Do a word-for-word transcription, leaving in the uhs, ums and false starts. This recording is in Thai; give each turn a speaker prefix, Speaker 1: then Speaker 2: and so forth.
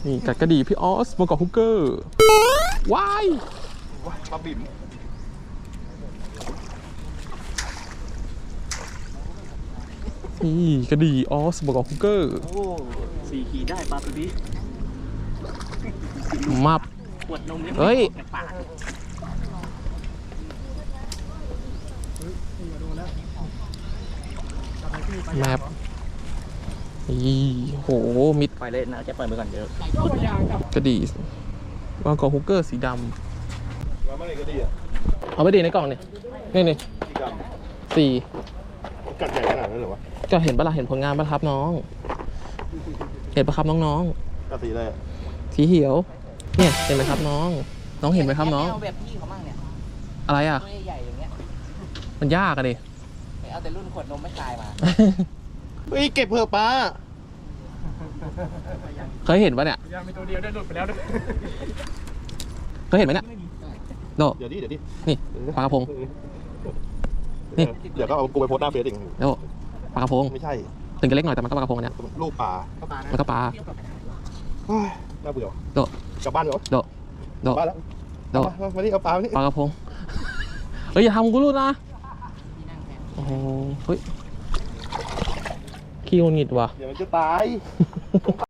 Speaker 1: นี่กัดกระดีพี่ออสมาเกาะฮุกเกอร์ว้ายปลาบิ่มนี่กระดีออสมาเกาะฮุกเกอร์
Speaker 2: โอ้สี่ขีดได้ปลาตัวนี้
Speaker 1: มับ
Speaker 2: ขวดนมยัง
Speaker 1: เฮ้ยแมปนี่โหมิด
Speaker 2: ปล่อยเลยนะจะปล่อยมือก่อนเดี๋ยว
Speaker 1: กระดีวางกอฮุกเกอร์สีดำเอาไปดีในกล่องเนี่ยนี่นี่สี่
Speaker 3: กัดใหญ่ขนาดนั้นเหรอวะ
Speaker 1: ก็เห็นปะล่ะเห็นผลงานปะครับน้องเห็นปะครับน้อง
Speaker 3: ๆกัดสีอะไร
Speaker 1: สีเขียวเนี่ยเห็นไหมครับน้องน้องเห็นไหมครับน้อง
Speaker 2: เอาแบบพี่เขามั่งเนี่ย
Speaker 1: อะไรอ่ะ
Speaker 2: ใหญ่อย่างเงี้ย
Speaker 1: มันยากอะดิ
Speaker 2: เอาแต่รุ่นขวดนมไม่ตายมา
Speaker 3: เฮ้ยเก็บเผื่อปลา
Speaker 1: เคยเห็นปะเนี่ย
Speaker 2: ยังมีตัวเดียวได้หลุดไปแล้วด้วย
Speaker 1: เคยเห็นไหมเนี่ยโด
Speaker 3: เดี๋ยวดิเดี๋ยวดิ
Speaker 1: นี่ปลากระพงนี่
Speaker 3: เดี๋ยวก็เอากูไปโพสต์หน้าเฟซอีก
Speaker 1: โดปลากระพง
Speaker 3: ไม่ใช่
Speaker 1: ถึงจะเล็กหน่อยแต่มันก็ปลากระพงเนี่ย
Speaker 3: ลูกปลา
Speaker 1: มันก็ปลา
Speaker 3: น่าเบื่อ
Speaker 1: โด
Speaker 3: กลับบ้านเหรอ
Speaker 1: โดโด
Speaker 3: บ้านแล้ว
Speaker 1: โด
Speaker 3: มาที่เอาปลาที่
Speaker 1: ปลากระพงเฮ้ยอย่าทำกูรู้นะโอ้โหเฮ้ยขี้งุนงิดว่ะ
Speaker 3: เดี๋ยวมันจะตาย